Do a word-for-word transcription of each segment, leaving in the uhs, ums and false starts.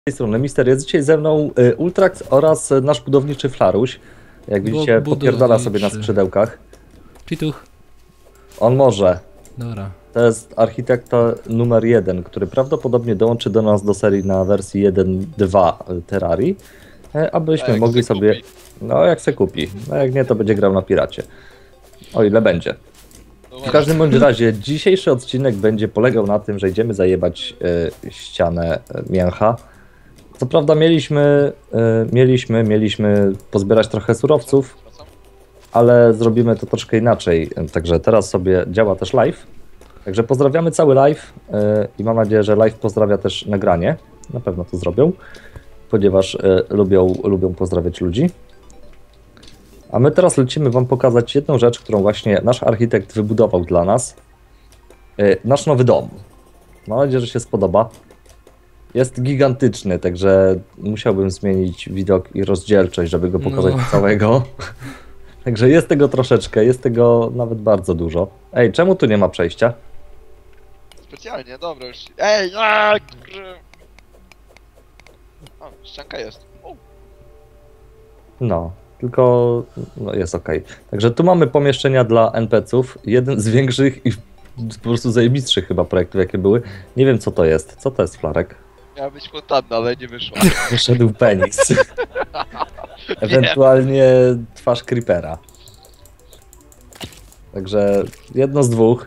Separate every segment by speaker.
Speaker 1: tej strony Mister, jest dzisiaj ze mną y, Ultrax oraz y, nasz budowniczy Flaruś. Jak widzicie, popierdala sobie na skrzydełkach.
Speaker 2: Czytuch.
Speaker 1: On może.
Speaker 2: Dobra.
Speaker 1: To jest architekta numer jeden, który prawdopodobnie dołączy do nas do serii na wersji jeden dwa Terrarii, y, abyśmy mogli sobie... Kupi. No jak se kupi. No jak nie, to będzie grał na piracie. O ile będzie. W każdym bądź razie dzisiejszy odcinek będzie polegał na tym, że idziemy zajebać y, ścianę y, mięcha. Co prawda mieliśmy, y, mieliśmy, mieliśmy pozbierać trochę surowców, ale zrobimy to troszkę inaczej. Także teraz sobie działa też live. Także pozdrawiamy cały live y, i mam nadzieję, że live pozdrawia też nagranie. Na pewno to zrobią, ponieważ y, lubią, lubią pozdrawiać ludzi. A my teraz lecimy wam pokazać jedną rzecz, którą właśnie nasz architekt wybudował dla nas. Yy, nasz nowy dom. Mam nadzieję, że się spodoba. Jest gigantyczny, także musiałbym zmienić widok i rozdzielczość, żeby go pokazać no. całego. Także jest tego troszeczkę, jest tego nawet bardzo dużo. Ej, czemu tu nie ma przejścia?
Speaker 3: Specjalnie, dobra już. Ej, aaa, o, ścianka jest. O.
Speaker 1: No. Tylko no jest ok. Także tu mamy pomieszczenia dla en pe ce ów. Jeden z większych i po prostu zajebistszych chyba projektów, jakie były. Nie wiem, co to jest. Co to jest, Flarek?
Speaker 3: Miała być fontanna, ale nie wyszła.
Speaker 1: Wyszedł penis. Ewentualnie twarz creepera. Także jedno z dwóch.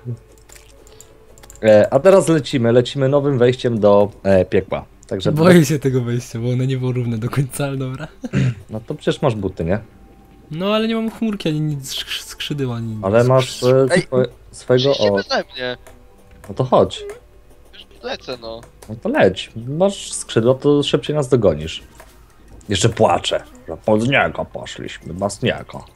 Speaker 1: A teraz lecimy. Lecimy nowym wejściem do e, piekła. Także
Speaker 2: boję to... się tego wejścia, bo ono nie było równe do końca, ale dobra.
Speaker 1: No to przecież masz buty, nie?
Speaker 2: No ale nie mam chmurki, ani nic skrzydeł, ani nic.
Speaker 1: Ale masz e,
Speaker 3: Ej,
Speaker 1: swo swojego... O.
Speaker 3: Beze mnie.
Speaker 1: No to chodź.
Speaker 3: Już lecę, no.
Speaker 1: No to leć. Masz skrzydło, to szybciej nas dogonisz. Jeszcze płaczę, że pod niego poszliśmy, bez niego.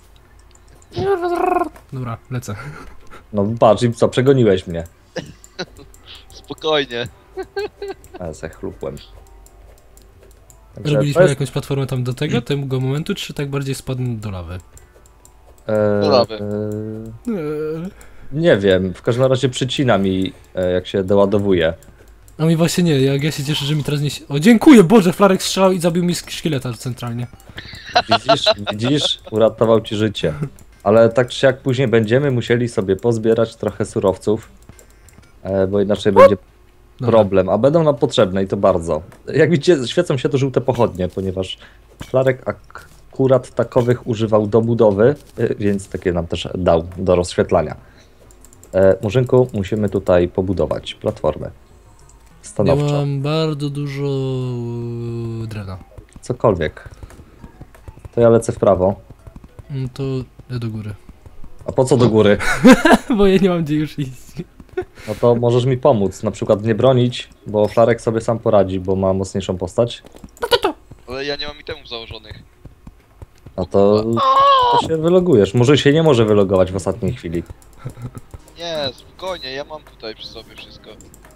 Speaker 2: Dobra, lecę.
Speaker 1: No patrz, i co, przegoniłeś mnie.
Speaker 3: Spokojnie.
Speaker 1: Ale se chlupłem.
Speaker 2: Robiliśmy jest... jakąś platformę tam do tego, tego momentu, czy tak bardziej spadnę do lawy?
Speaker 1: Eee,
Speaker 3: do lawy.
Speaker 1: Eee, nie wiem, w każdym razie przycina mi, e, jak się doładowuje.
Speaker 2: A mi właśnie nie, jak ja się cieszę, że mi teraz nie... O, dziękuję, Boże, Flarek strzelał i zabił mi szkieleta centralnie.
Speaker 1: Widzisz, widzisz? Uratował ci życie. Ale tak czy jak później będziemy musieli sobie pozbierać trochę surowców, e, bo inaczej będzie problem, a będą nam potrzebne i to bardzo. Jak widzicie, świecą się to żółte pochodnie, ponieważ Flarek akurat takowych używał do budowy, więc takie nam też dał do rozświetlania. E, Murzynku, musimy tutaj pobudować platformę stanowczo.
Speaker 2: Ja mam bardzo dużo drewna.
Speaker 1: Cokolwiek. To ja lecę w prawo.
Speaker 2: No to ja do góry.
Speaker 1: A po co do góry?
Speaker 2: Bo ja nie mam gdzie już iść.
Speaker 1: No to możesz mi pomóc, na przykład nie bronić, bo Flarek sobie sam poradzi, bo ma mocniejszą postać.
Speaker 3: Ale ja nie mam itemów założonych.
Speaker 1: No to, to się wylogujesz. Może się nie może wylogować w ostatniej chwili.
Speaker 3: Nie, spokojnie, ja mam tutaj przy sobie wszystko.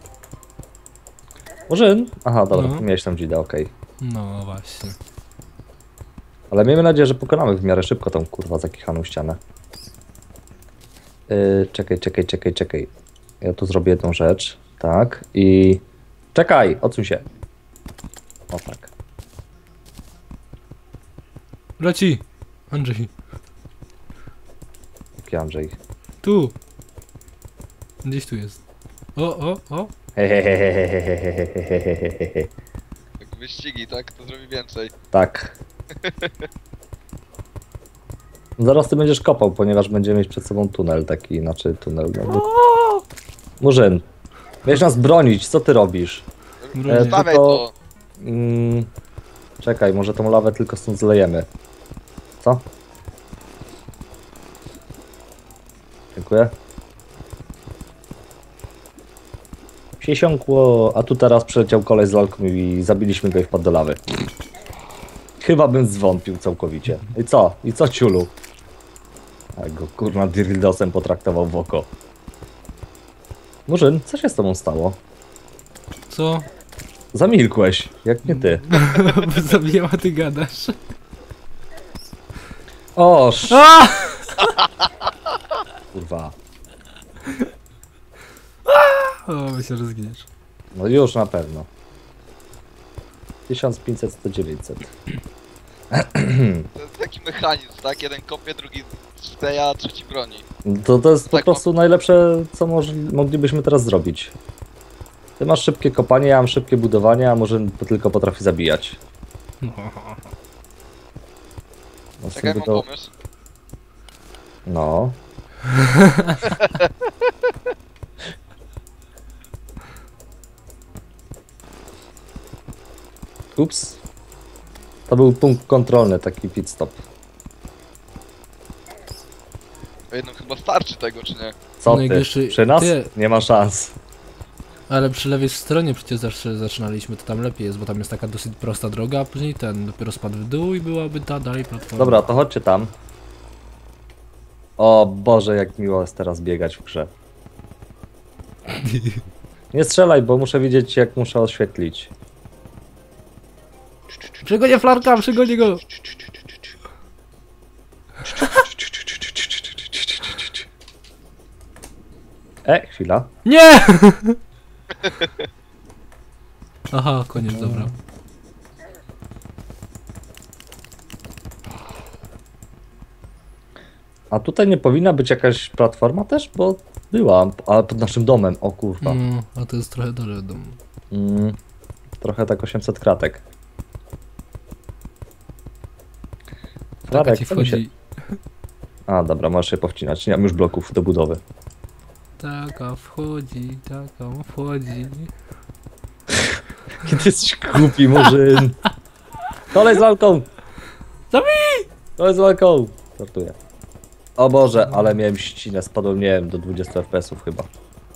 Speaker 1: Murzyn? Aha, dobra,
Speaker 2: no.
Speaker 1: miałeś tam dzidę, okej. Okay.
Speaker 2: No właśnie.
Speaker 1: Ale miejmy nadzieję, że pokonamy w miarę szybko tą kurwa zakichaną ścianę. Yy, czekaj, czekaj, czekaj, czekaj. Ja tu zrobię jedną rzecz. Tak. I... Czekaj! Odsuń się. O tak.
Speaker 2: Leci! Andrzej.
Speaker 1: Jaki Andrzej?
Speaker 2: Tu! Gdzieś tu jest. O, o, o!
Speaker 1: Hehehehehehehehehehehe.
Speaker 3: Jak wyścigi, tak? To zrobi więcej.
Speaker 1: Tak. Zaraz ty będziesz kopał, ponieważ będziemy mieć przed sobą tunel taki, znaczy tunel. No, Murzyn, wiesz nas bronić, co ty robisz?
Speaker 3: E, Stawiaj to!
Speaker 1: Mm, czekaj, może tą lawę tylko stąd zlejemy. Co? Dziękuję. Siesiąkło, a tu teraz przyleciał koleś z lalką i zabiliśmy go i wpadł do lawy. Chyba bym zwątpił całkowicie. I co? I co, ciulu? A go kurna dirildosem potraktował w oko. Murzyn, co się z tobą stało?
Speaker 2: Co?
Speaker 1: Zamilkłeś, jak nie ty.
Speaker 2: Zabijam, a ty gadasz.
Speaker 1: Oż! Kurwa.
Speaker 2: O, myślę, że zginiesz.
Speaker 1: No już na pewno. tysiąc pięćset, sto, dziewięćset.
Speaker 3: To jest taki mechanizm, tak? Jeden kopie, drugi steja, trzeci broni.
Speaker 1: To, to jest po
Speaker 3: Tak,
Speaker 1: prostu najlepsze, co moż, moglibyśmy teraz zrobić. Ty masz szybkie kopanie, ja mam szybkie budowanie, a może tylko potrafi zabijać.
Speaker 2: No.
Speaker 1: No, z
Speaker 3: Tak jak
Speaker 1: tym
Speaker 3: mam
Speaker 1: to...
Speaker 3: pomysł.
Speaker 1: No. Ups. To był punkt kontrolny, taki pit stop.
Speaker 3: Po jednym chyba starczy tego, czy nie?
Speaker 1: Co
Speaker 2: No i
Speaker 1: ty?
Speaker 2: jeszcze-
Speaker 1: Przy nas?
Speaker 2: ty-
Speaker 1: Nie ma szans.
Speaker 2: Ale przy lewej stronie przecież zawsze zaczynaliśmy, to tam lepiej jest, bo tam jest taka dosyć prosta droga, a później ten dopiero spadł w dół i byłaby ta dalej platforma.
Speaker 1: Dobra, to chodźcie tam. O Boże, jak miło jest teraz biegać w grze. Nie strzelaj, bo muszę wiedzieć, jak muszę oświetlić.
Speaker 2: Przygonię Flarka, przygonię go!
Speaker 1: E, chwila.
Speaker 2: Nie! Aha, koniec, dobra.
Speaker 1: A tutaj nie powinna być jakaś platforma też? Bo była, ale pod naszym domem. O kurwa.
Speaker 2: No, a to jest trochę dalej od domu.
Speaker 1: Mm, trochę tak osiemset kratek.
Speaker 2: Taka
Speaker 1: Flarek,
Speaker 2: ci
Speaker 1: co mi się...
Speaker 2: wchodzi.
Speaker 1: A, dobra, możesz się powcinać. Nie mam już bloków do budowy.
Speaker 2: Taka wchodzi, taka wchodzi.
Speaker 1: Kiedy jesteś głupi, murzyn. Kolej z lalką!
Speaker 2: Zabij!
Speaker 1: Kolej z lalką! Startuję. O Boże, ale miałem ścinę. Spadłem, nie wiem, do dwudziestu F P S ów chyba.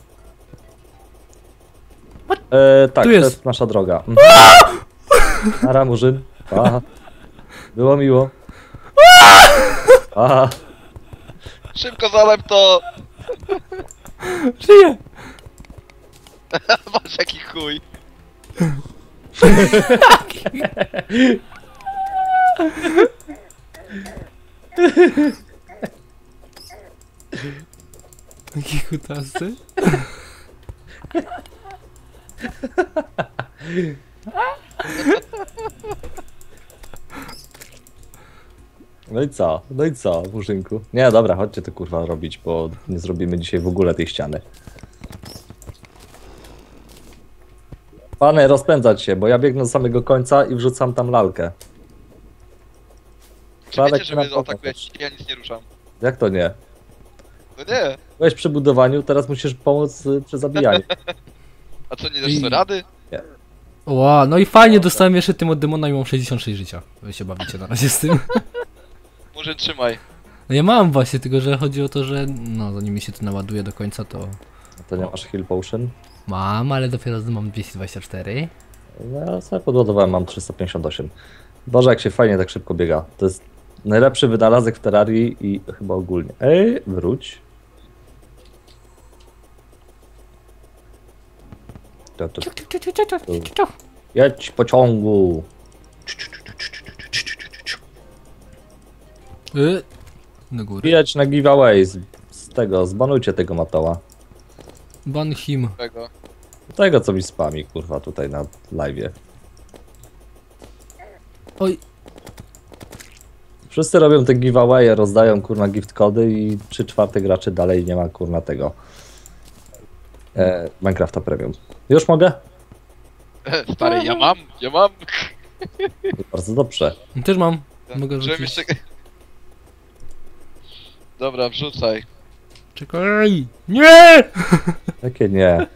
Speaker 1: E, tak,
Speaker 2: Tu
Speaker 1: to
Speaker 2: jest.
Speaker 1: jest nasza droga. Mhm. Nara, murzyn. Pa. Było miło. Pa.
Speaker 3: Szybko zalep to!
Speaker 2: Żyję!
Speaker 3: Masz jaki chuj.
Speaker 2: Taki kutasy.
Speaker 1: No i co? No i co, murzynku? Nie, dobra, chodźcie to kurwa robić, bo nie zrobimy dzisiaj w ogóle tej ściany. Panie, rozpędzać się, bo ja biegnę do samego końca i wrzucam tam lalkę.
Speaker 3: Czy
Speaker 1: Flarek,
Speaker 3: wiecie, że
Speaker 1: na
Speaker 3: mnie
Speaker 1: pewno
Speaker 3: atakujecie? Ja nic nie ruszam.
Speaker 1: Jak to nie?
Speaker 3: No nie.
Speaker 1: Byłeś przy budowaniu, teraz musisz pomóc y, przy zabijaniu.
Speaker 3: A co, nie dasz
Speaker 2: I-
Speaker 3: sobie rady?
Speaker 2: Ła, no i fajnie, dostałem jeszcze tym od demona i mam sześćdziesiąt sześć życia. Wy się bawicie na razie z tym.
Speaker 3: Może trzymaj.
Speaker 2: No ja mam właśnie, tylko że chodzi o to, że no zanim mi się to naładuje do końca, to
Speaker 1: To nie masz heal potion?
Speaker 2: mam, ale dopiero mam dwieście dwadzieścia cztery.
Speaker 1: No, ja sobie podładowałem, mam trzysta pięćdziesiąt osiem. Boże, jak się fajnie tak szybko biega. To jest najlepszy wynalazek w Terrarii i chyba ogólnie. Ej, wróć. To, to, to. Jedź pociągu.
Speaker 2: Y, do góry.
Speaker 1: Jedź na giveaway z, z tego, zbanujcie tego matoła.
Speaker 2: Ban him.
Speaker 3: Tego.
Speaker 1: Tego, co mi spami, kurwa, tutaj na live'ie.
Speaker 2: Oj,
Speaker 1: Wszyscy robią te giveawaye, rozdają kurna gift kody i trzy czwarte graczy dalej nie ma kurna tego e, Minecrafta Premium. Już mogę?
Speaker 3: Stary, ja mam, ja mam.
Speaker 1: Bardzo dobrze.
Speaker 2: też mam. Mogę
Speaker 3: Żebym
Speaker 2: wrzucić.
Speaker 3: jeszcze... Dobra, wrzucaj.
Speaker 2: Czekaj! Nie!
Speaker 1: Jakie nie?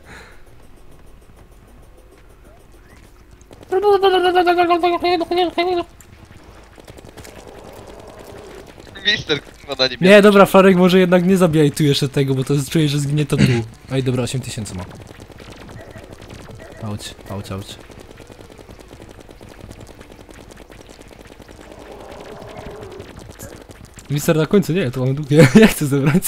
Speaker 3: Mister, no na nim
Speaker 2: Nie, dobra, Flarek, może jednak nie zabijaj tu jeszcze tego, bo to jest, czuję, że zginie to tu. Ej, dobra, osiem tysięcy ma. Auć, auć, auć. Mister na końcu, nie, to mamy długie. Ja chcę zebrać.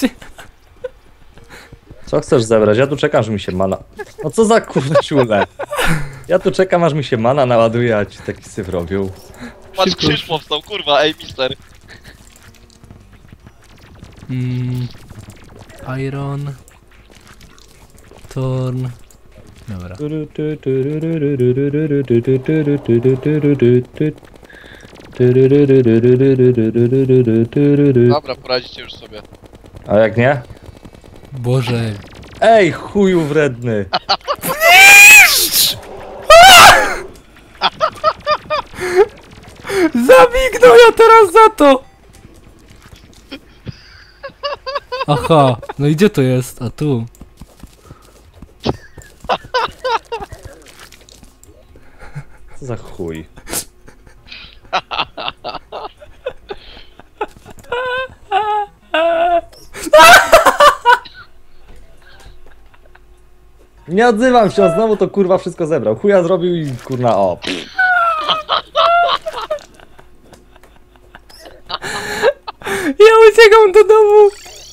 Speaker 1: Co chcesz zebrać? Ja tu czekam, aż mi się mana... No co za kurwa ciule? Ja tu czekam, aż mi się mana naładuje, a ci taki syf robią.
Speaker 3: Patrz,
Speaker 2: Szybko.
Speaker 3: krzyż powstał, kurwa, ej, mister.
Speaker 2: Mm, iron. Torn. Dobra.
Speaker 3: Dobra, poradzicie już sobie.
Speaker 1: A jak nie?
Speaker 2: Boże.
Speaker 1: Ej, chuju wredny!
Speaker 2: Zabignął ja teraz za to! Aha, no i gdzie to jest? A tu.
Speaker 1: Co za chuj? Nie odzywam się, on znowu to kurwa wszystko zebrał. Chuja zrobił i kurna o.
Speaker 2: Ja uciekam do domu!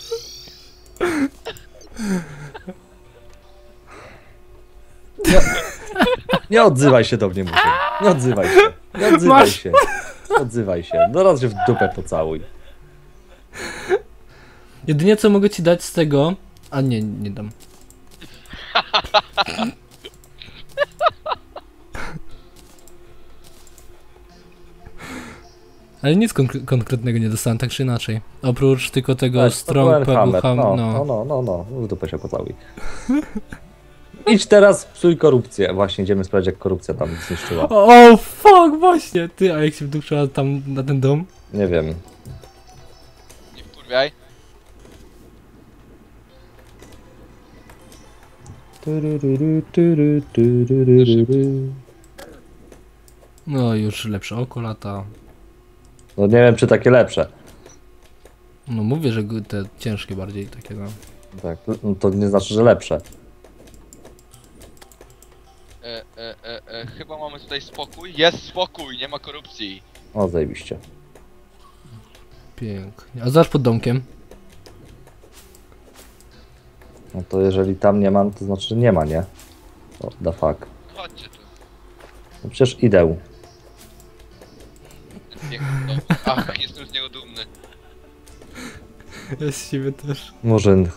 Speaker 1: Nie, nie odzywaj się do mnie, mówię. Nie odzywaj się. Nie odzywaj
Speaker 2: Masz.
Speaker 1: się. Nie odzywaj się. No raz się w dupę pocałuj.
Speaker 2: Jedynie co mogę ci dać z tego... A nie, nie dam. Ale nic konkre konkretnego nie dostałem, tak czy inaczej. Oprócz tylko tego
Speaker 1: Tak,
Speaker 2: strong
Speaker 1: to byłem
Speaker 2: pegu ham,
Speaker 1: no,
Speaker 2: no.
Speaker 1: no, no, no, no, w dupę się pocałuj. Idź teraz, psuj korupcję. Właśnie idziemy sprawdzić, jak korupcja tam zniszczyła.
Speaker 2: O, fuck, właśnie! Ty, a jak się wdupczyła tam na ten dom?
Speaker 1: Nie wiem.
Speaker 3: Nie wkurwiaj.
Speaker 2: No, już lepsze oko lata.
Speaker 1: No nie wiem, czy takie lepsze.
Speaker 2: No mówię, że g- te ciężkie bardziej takie, no.
Speaker 1: Tak, no to nie znaczy, że lepsze.
Speaker 3: E, e, e, e, chyba mamy tutaj spokój. Jest spokój, nie ma korupcji.
Speaker 1: O, zajebiście.
Speaker 2: Pięknie. A zaraz pod domkiem.
Speaker 1: No to jeżeli tam nie ma, to znaczy, że nie ma, nie? What the fuck.
Speaker 3: Chodźcie tu.
Speaker 1: No przecież idę.
Speaker 3: Ten piękny dom. Ach, jestem z niego dumny.
Speaker 2: Ja z siebie też.
Speaker 1: Murzyn.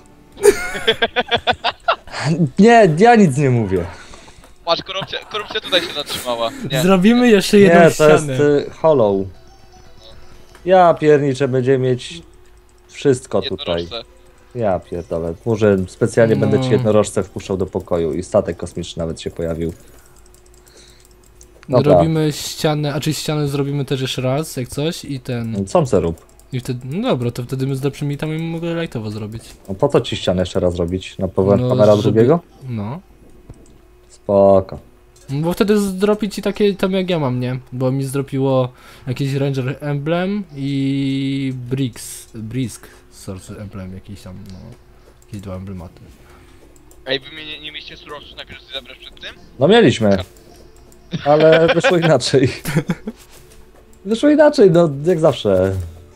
Speaker 1: Nie, ja nic nie mówię.
Speaker 3: Patrz, korupcja, korupcja tutaj się zatrzymała. Nie.
Speaker 2: Zrobimy jeszcze jedną
Speaker 1: Nie, to jest
Speaker 2: ścianę.
Speaker 1: y, hollow. Ja pierniczę, będzie mieć wszystko tutaj.
Speaker 3: Jednorożce.
Speaker 1: Ja pierdolę. Murzyn, specjalnie
Speaker 2: No.
Speaker 1: będę ci jednorożce wpuszczał do pokoju i statek kosmiczny nawet się pojawił. Dobra.
Speaker 2: Robimy ścianę, a czy ścianę zrobimy też jeszcze raz, jak coś i ten...
Speaker 1: Co se rób?
Speaker 2: I wtedy, no dobra, to wtedy my z lepszymi tam i mogę lightowo zrobić.
Speaker 1: No po co ci ścianę jeszcze raz robić? Na powrót
Speaker 2: No,
Speaker 1: kamera
Speaker 2: żeby-
Speaker 1: drugiego?
Speaker 2: No.
Speaker 1: Spoko.
Speaker 2: No bo wtedy zdropi ci takie tam jak ja mam, nie? Bo mi zdropiło jakiś Ranger Emblem i Brix, Brisk Source Emblem jakiś tam, no. Jakieś dwa emblematy.
Speaker 3: Ej, wy mnie nie, nie mieliście surowców najpierw zabrać przed tym?
Speaker 1: No mieliśmy. Ale wyszło inaczej. Wyszło inaczej, no jak zawsze.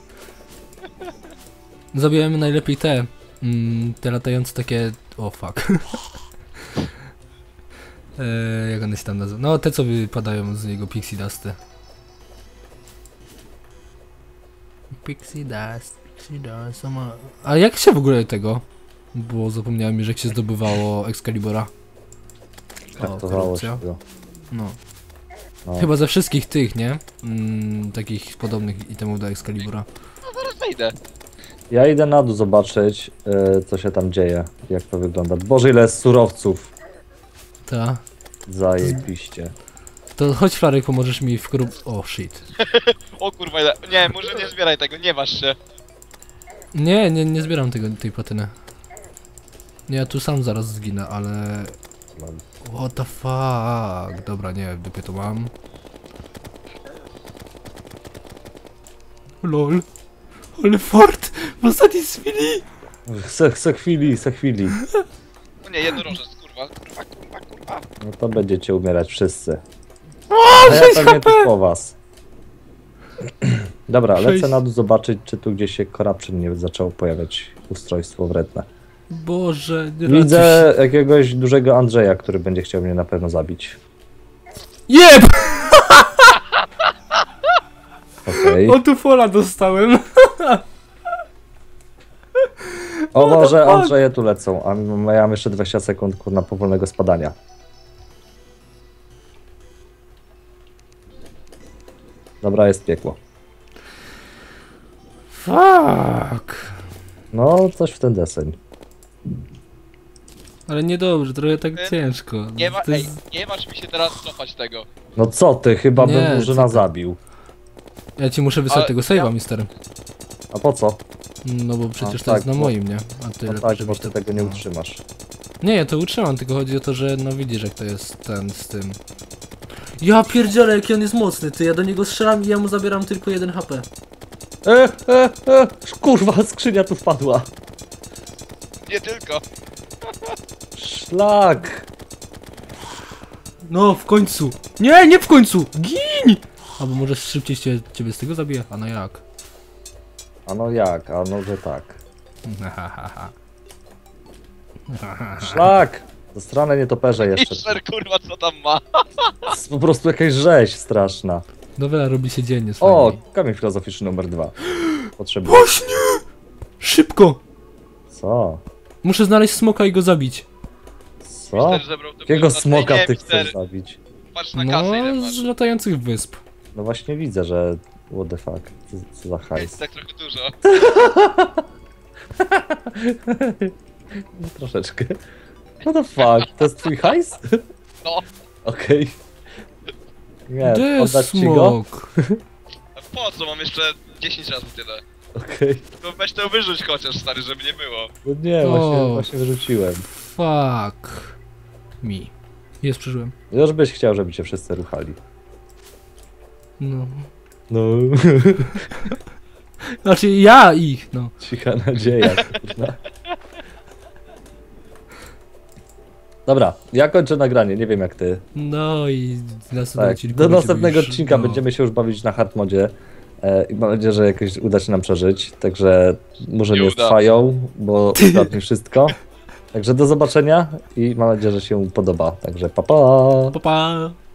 Speaker 2: Zabijemy najlepiej te, mm, te latające takie, o fuck. eee, jak one się tam nazywa? No te co wypadają z niego Pixie Dusty. Pixie Dust, Pixie Dust, sama... A jak się w ogóle tego? Bo zapomniałem już jak się zdobywało Excalibura.
Speaker 1: Traktowało
Speaker 2: korupcja.
Speaker 1: się go.
Speaker 2: No.
Speaker 1: No.
Speaker 2: Chyba ze wszystkich tych, nie? Mm, takich podobnych itemów do Excalibura.
Speaker 3: No zaraz wejdę.
Speaker 1: Ja idę na dół zobaczyć, y, co się tam dzieje, jak to wygląda. Boże, ile jest surowców.
Speaker 2: Ta.
Speaker 1: Zajebiście.
Speaker 2: To chodź Flarek, pomożesz mi w korup... O shit.
Speaker 3: O kurwa, ile... nie, może nie zbieraj tego, nie waż się.
Speaker 2: Nie, nie, nie zbieram tego, tej platyny. Nie, ja tu sam zaraz zginę, ale... What the fuck? Dobra, nie, w dupie to mam. Lol. Ale fort! W ostatniej chwili!
Speaker 1: Se, se chwili, se chwili.
Speaker 3: No nie, jednorożec, kurwa, kurwa, kurwa, kurwa.
Speaker 1: No to będziecie umierać wszyscy.
Speaker 2: O,
Speaker 1: A ja
Speaker 2: sześć
Speaker 1: pewnie
Speaker 2: H P!
Speaker 1: też po was. Dobra, lecę
Speaker 2: Sześć.
Speaker 1: na dół zobaczyć, czy tu gdzieś się corruption nie zaczęło pojawiać ustrojstwo wredne.
Speaker 2: Boże, nie
Speaker 1: Widzę jakiegoś dużego Andrzeja, który będzie chciał mnie na pewno zabić.
Speaker 2: Jeb!
Speaker 1: Okej.
Speaker 2: O tu fola dostałem.
Speaker 1: O
Speaker 2: what the
Speaker 1: Boże,
Speaker 2: fuck?
Speaker 1: Andrzeje tu lecą, a ja mam jeszcze dwadzieścia sekund kurna powolnego spadania. Dobra, jest piekło.
Speaker 2: Fuck.
Speaker 1: No, coś w ten deseń.
Speaker 2: Ale niedobrze, trochę tak
Speaker 3: Nie-
Speaker 2: ciężko.
Speaker 3: Nie, ma,
Speaker 2: To
Speaker 3: ej,
Speaker 2: jest-
Speaker 3: nie masz mi się teraz cofać tego.
Speaker 1: No co ty, chyba
Speaker 2: Nie,
Speaker 1: bym Murzyna
Speaker 2: co ty.
Speaker 1: zabił.
Speaker 2: Ja ci muszę wysłać
Speaker 3: Ale
Speaker 2: tego
Speaker 3: ja-
Speaker 2: save'a, mister.
Speaker 1: A po co?
Speaker 2: No bo przecież
Speaker 1: A,
Speaker 2: to
Speaker 1: tak,
Speaker 2: jest na
Speaker 1: bo-
Speaker 2: moim, nie? A ty
Speaker 1: No
Speaker 2: lepiej,
Speaker 1: tak, bo
Speaker 2: żebyś
Speaker 1: ty
Speaker 2: to...
Speaker 1: tego nie
Speaker 2: no.
Speaker 1: utrzymasz.
Speaker 2: Nie, ja to utrzymam, tylko chodzi o to, że no widzisz jak to jest ten z tym. Ja pierdzielę, jaki on jest mocny, ty, ja do niego strzelam i ja mu zabieram tylko jeden H P.
Speaker 1: E, e, e, kurwa, skrzynia tu wpadła.
Speaker 3: Nie tylko.
Speaker 1: Szlak.
Speaker 2: No, w końcu. Nie, nie w końcu! Gin! Albo może szybciej cię, ciebie z tego zabiję? A no jak?
Speaker 1: A no jak, a no że tak. Szlak! Zasrane nietoperze jeszcze.
Speaker 3: Mister, kurwa, co tam ma?
Speaker 1: To jest po prostu jakaś rzeź straszna.
Speaker 2: Dobra, robi się dziennie z
Speaker 1: O,
Speaker 2: fajnie.
Speaker 1: kamień filozoficzny numer dwa. Potrzebuję.
Speaker 2: Właśnie! Szybko!
Speaker 1: Co?
Speaker 2: Muszę znaleźć smoka i go zabić.
Speaker 1: Co?
Speaker 3: Mister zebrał to
Speaker 1: Jakiego
Speaker 3: kurwa,
Speaker 1: smoka
Speaker 3: nie,
Speaker 1: ty
Speaker 3: mister,
Speaker 1: chcesz zabić?
Speaker 3: Patrz na kasę, ile
Speaker 2: No,
Speaker 3: masz.
Speaker 2: z latających wysp.
Speaker 1: No właśnie widzę, że... What the fuck? Co, co za hajs?
Speaker 3: Jest tak trochę dużo.
Speaker 1: No, troszeczkę. What the fuck? To jest twój hajs?
Speaker 3: No,
Speaker 1: Okej. Nie,
Speaker 2: Gdzie
Speaker 1: oddać ci go?
Speaker 2: smok?
Speaker 3: a po co? Mam jeszcze dziesięć razy tyle.
Speaker 1: Okej.
Speaker 3: To weź to wyrzuć chociaż, stary, żeby nie było.
Speaker 1: No nie, właśnie,
Speaker 2: O.
Speaker 1: właśnie wyrzuciłem.
Speaker 2: Fuck. Mi. Jest, przeżyłem.
Speaker 1: Już byś chciał, żeby cię wszyscy ruchali.
Speaker 2: No.
Speaker 1: No,
Speaker 2: Znaczy ja ich, no.
Speaker 1: cicha nadzieja, kurwa. Dobra, ja kończę nagranie, nie wiem jak ty.
Speaker 2: No i następnego
Speaker 1: Tak,
Speaker 2: odcinku
Speaker 1: do
Speaker 2: będziemy
Speaker 1: następnego
Speaker 2: już-
Speaker 1: odcinka
Speaker 2: no.
Speaker 1: będziemy się już bawić na hard modzie. E, I mam nadzieję, że jakoś uda się nam przeżyć. Także może
Speaker 3: Nie
Speaker 1: nie
Speaker 3: uda.
Speaker 1: trwają, bo ostatnio wszystko. Także do zobaczenia i mam nadzieję, że się podoba. Także pa pa!
Speaker 2: Pa, pa.